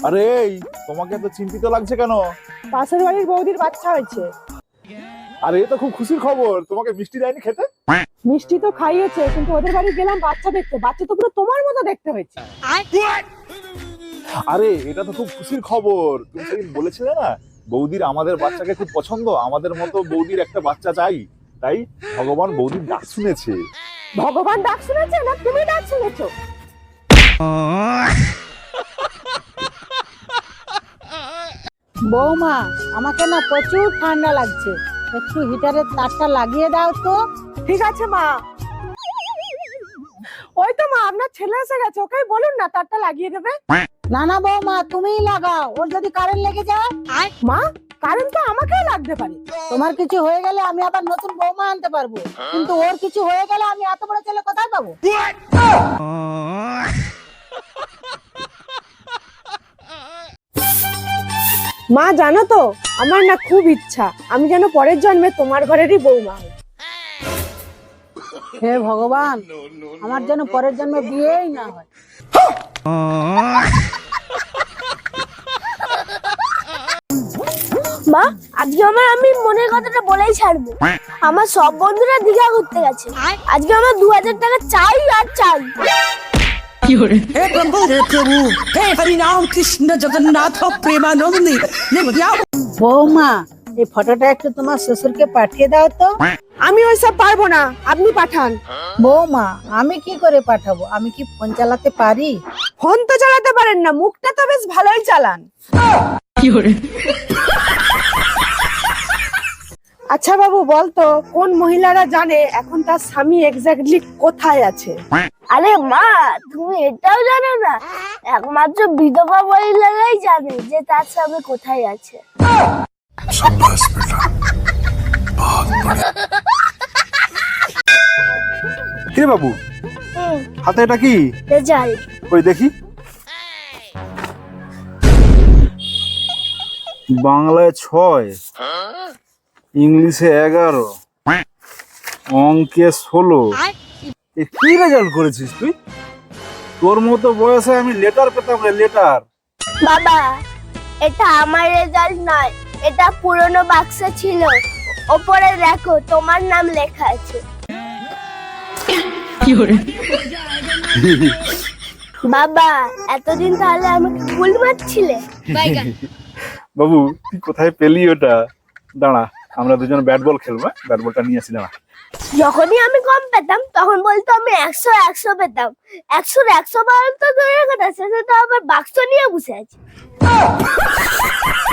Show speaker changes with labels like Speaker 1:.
Speaker 1: আরে এই, তোমাকে এত চিন্তিত লাগছে কেন?
Speaker 2: পাশের বাড়ির বৌদির বাচ্চা হয়েছে।
Speaker 1: আরে এ তো খুব খুশির খবর, তোমাকে মিষ্টি দেয়নি খেতে?
Speaker 2: মিষ্টি তো খাইয়েছে, কিন্তু ওদের বাড়ি গেলাম বাচ্চা দেখতে, বাচ্চা তো পুরো তোমার মতো দেখতে হয়েছে।
Speaker 1: আরে এটা তো খুব খুশির খবর, তুমি সেদিন বলেছিলে না বৌদির আমাদের বাচ্চাকে খুব পছন্দ, আমাদের মতো বৌদির একটা বাচ্চা চাই। তাই ভগবান বৌদির ডাক শুনেছে।
Speaker 2: ভগবান ডাক শুনেছে না তুমি ডাক শুনেছো?
Speaker 3: বৌমা, আমাকে না প্রচুর ঠান্ডা লাগছে, একটু হিটারের তারটা লাগিয়ে দাও তো।
Speaker 2: ঠিক আছে মা। ওই তো মা, আপনার ছেলে এসে গেছে, ওকে বলুন না তারটা লাগিয়ে দেবে।
Speaker 3: না না বৌমা, তুমিই লাগাও, ওর যদি কারেন্ট লেগে যায়।
Speaker 2: মা, কারেন্ট তো আমাকেও লাগতে পারে।
Speaker 3: তোমার কিছু হয়ে গেলে আমি আবার নতুন বৌমা আনতে পারবো, কিন্তু ওর কিছু হয়ে গেলে আমি এত বড় ছেলে কোথায় পাবো?
Speaker 2: মা জানো তো, আমার না খুব ইচ্ছা আমি যেন পরের জন্মে তোমার ঘরেরই বৌমা হই।
Speaker 3: হে ভগবান, আমার যেন পরের জন্মে বিয়েই না হয়।
Speaker 4: মা, আজকে আমি মনের কথাটা বলেই ছাড়বো। আমার সব বন্ধুরা দীঘা ঘুরতে গেছে, আজকে আমার 2000 টাকা চাই আর চাই।
Speaker 5: हे प्रभु हे हरिनाम कृष्ण जगन्नाथ प्रेमानंदी
Speaker 3: বৌমা, এই ফটোটা একটু তোমার শ্বশুরকে পাঠিয়ে দাও তো।
Speaker 2: আমি ওইসব পারবো না, আপনি পাঠান।
Speaker 3: বৌমা, আমি কি করে পাঠাবো? আমি কি ফোন চালাতে পারি?
Speaker 2: ফোন তো চালাতে পারেন না, মুখটা তো বেশ ভালোই চালান। আচ্ছা বাবু, বলতো কোন মহিলারা জানে এখন তার স্বামী এক্স্যাক্টলি কোথায় আছে?
Speaker 4: আরে মা, তুমি এটাও জানো না? একমাত্র বিধবা মহিলারাই জানে যে তার স্বামী কোথায় আছে।
Speaker 1: কে বাবু, হাতে এটা কি?
Speaker 4: রেজাল্ট।
Speaker 1: ওই দেখি। বাংলায় 6, ইংলিশে 11, অঙ্কে 16। এ কি রেজাল্ট করেছিস তুই? তোর মতো বয়সে আমি লেটার পেতাম রে, লেটার।
Speaker 4: বাবা, এটা আমার রেজাল্ট নয়, এটা পুরনো বাক্সে ছিল, ওপরে দেখো তোমার নাম লেখা আছে। বাবা, এতদিন তাহলে আমাকে ফুল মারছিলে?
Speaker 1: বাবু তুই কোথায় পেলি ওটা? দাঁড়া, আমরা দুজন ব্যাট বল খেলবো। ব্যাট বলটা নিয়ে আসি, দাঁড়া।
Speaker 4: যখনই আমি কম পেতাম তখন বলতো আমি 100 পেতাম। 100 পাওয়ার তো দূরের কথা, শেষে তো আবার বাক্স নিয়ে বসে আছে।